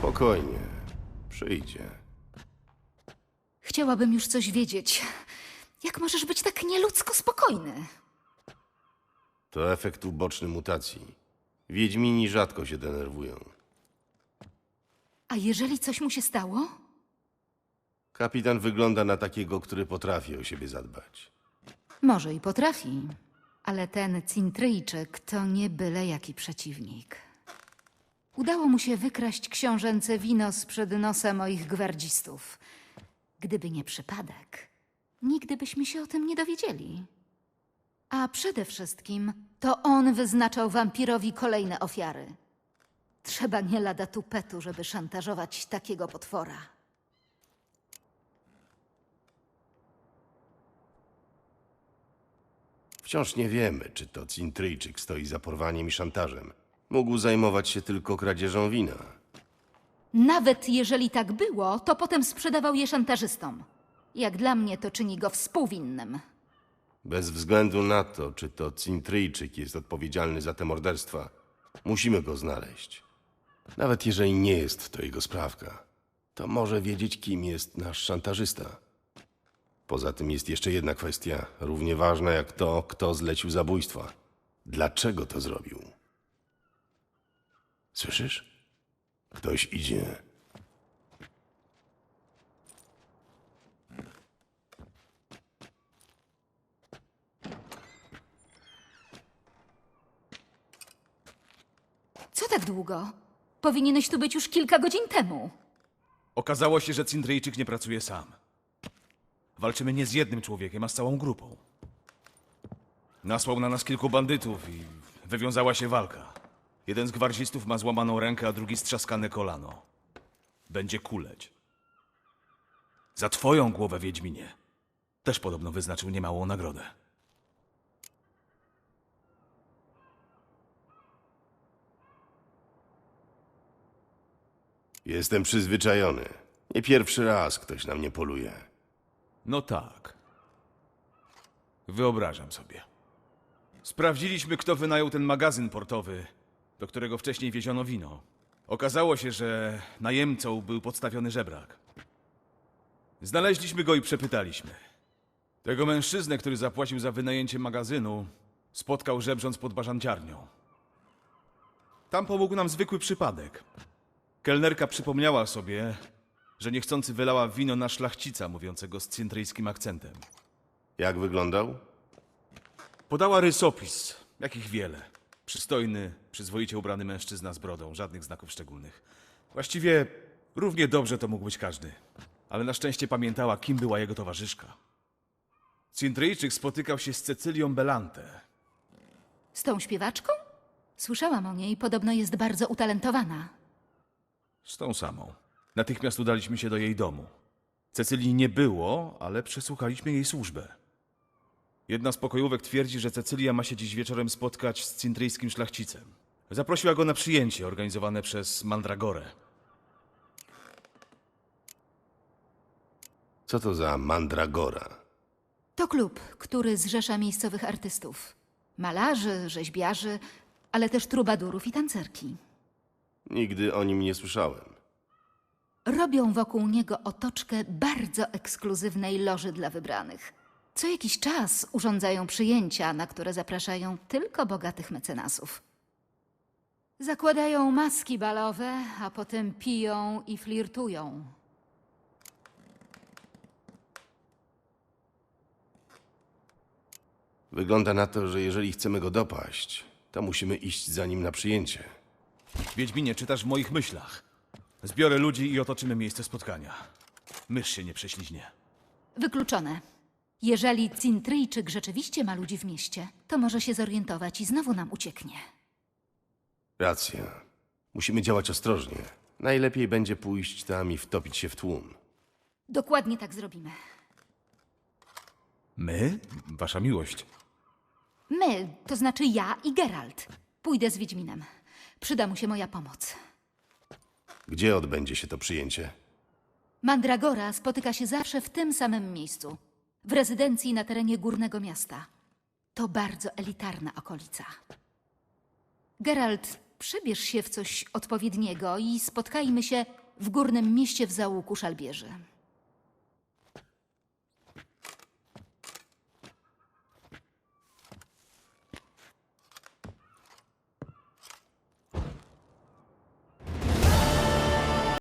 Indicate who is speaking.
Speaker 1: Spokojnie. Przyjdzie.
Speaker 2: Chciałabym już coś wiedzieć. Jak możesz być tak nieludzko spokojny?
Speaker 1: To efekt uboczny mutacji. Wiedźmini rzadko się denerwują.
Speaker 2: A jeżeli coś mu się stało?
Speaker 1: Kapitan wygląda na takiego, który potrafi o siebie zadbać.
Speaker 2: Może i potrafi, ale ten Cintryjczyk to nie byle jaki przeciwnik. Udało mu się wykraść książęce wino sprzed nosa moich gwardzistów. Gdyby nie przypadek, nigdy byśmy się o tym nie dowiedzieli. A przede wszystkim to on wyznaczał wampirowi kolejne ofiary. Trzeba nie lada tupetu, żeby szantażować takiego potwora.
Speaker 1: Wciąż nie wiemy, czy to Cintryjczyk stoi za porwaniem i szantażem. Mógł zajmować się tylko kradzieżą wina.
Speaker 2: Nawet jeżeli tak było, to potem sprzedawał je szantażystom. Jak dla mnie to czyni go współwinnym.
Speaker 1: Bez względu na to, czy to Cintryjczyk jest odpowiedzialny za te morderstwa, musimy go znaleźć. Nawet jeżeli nie jest to jego sprawka, to może wiedzieć, kim jest nasz szantażysta. Poza tym jest jeszcze jedna kwestia, równie ważna jak to, kto zlecił zabójstwa. Dlaczego to zrobił? Słyszysz? Ktoś idzie.
Speaker 2: Co tak długo? Powinieneś tu być już kilka godzin temu.
Speaker 3: Okazało się, że Cintryjczyk nie pracuje sam. Walczymy nie z jednym człowiekiem, a z całą grupą. Nasłał na nas kilku bandytów i wywiązała się walka. Jeden z gwardzistów ma złamaną rękę, a drugi strzaskane kolano. Będzie kuleć. Za twoją głowę, Wiedźminie. Też podobno wyznaczył niemałą nagrodę.
Speaker 1: Jestem przyzwyczajony. Nie pierwszy raz ktoś na mnie poluje.
Speaker 3: No tak. Wyobrażam sobie. Sprawdziliśmy, kto wynajął ten magazyn portowy, do którego wcześniej wieziono wino. Okazało się, że najemcą był podstawiony żebrak. Znaleźliśmy go i przepytaliśmy. Tego mężczyznę, który zapłacił za wynajęcie magazynu, spotkał żebrząc pod bażanciarnią. Tam pomógł nam zwykły przypadek. Kelnerka przypomniała sobie, że niechcący wylała wino na szlachcica mówiącego z cintryjskim akcentem.
Speaker 1: Jak wyglądał?
Speaker 3: Podała rysopis, jakich wiele. Przystojny, przyzwoicie ubrany mężczyzna z brodą, żadnych znaków szczególnych. Właściwie równie dobrze to mógł być każdy. Ale na szczęście pamiętała, kim była jego towarzyszka. Cintryjczyk spotykał się z Cecylią Belante.
Speaker 2: Z tą śpiewaczką? Słyszałam o niej, podobno jest bardzo utalentowana.
Speaker 3: Z tą samą. Natychmiast udaliśmy się do jej domu. Cecylii nie było, ale przesłuchaliśmy jej służbę. Jedna z pokojówek twierdzi, że Cecylia ma się dziś wieczorem spotkać z cintryjskim szlachcicem. Zaprosiła go na przyjęcie organizowane przez Mandragorę.
Speaker 1: Co to za mandragora?
Speaker 2: To klub, który zrzesza miejscowych artystów. Malarzy, rzeźbiarzy, ale też trubadurów i tancerki.
Speaker 1: Nigdy o nim nie słyszałem.
Speaker 2: Robią wokół niego otoczkę bardzo ekskluzywnej loży dla wybranych. Co jakiś czas urządzają przyjęcia, na które zapraszają tylko bogatych mecenasów. Zakładają maski balowe, a potem piją i flirtują.
Speaker 1: Wygląda na to, że jeżeli chcemy go dopaść, to musimy iść za nim na przyjęcie.
Speaker 3: Wiedźminie, czytasz w moich myślach. Zbiorę ludzi i otoczymy miejsce spotkania. Mysz się nie prześliźnie.
Speaker 2: Wykluczone. Jeżeli Cintryjczyk rzeczywiście ma ludzi w mieście, to może się zorientować i znowu nam ucieknie.
Speaker 1: Racja. Musimy działać ostrożnie. Najlepiej będzie pójść tam i wtopić się w tłum.
Speaker 2: Dokładnie tak zrobimy.
Speaker 3: My? Wasza miłość.
Speaker 2: My, to znaczy ja i Geralt. Pójdę z Wiedźminem. Przyda mu się moja pomoc.
Speaker 1: Gdzie odbędzie się to przyjęcie?
Speaker 2: Mandragora spotyka się zawsze w tym samym miejscu. W rezydencji na terenie Górnego Miasta. To bardzo elitarna okolica. Geralt Przebierz się w coś odpowiedniego i spotkajmy się w górnym mieście w zaułku Szalbierzy.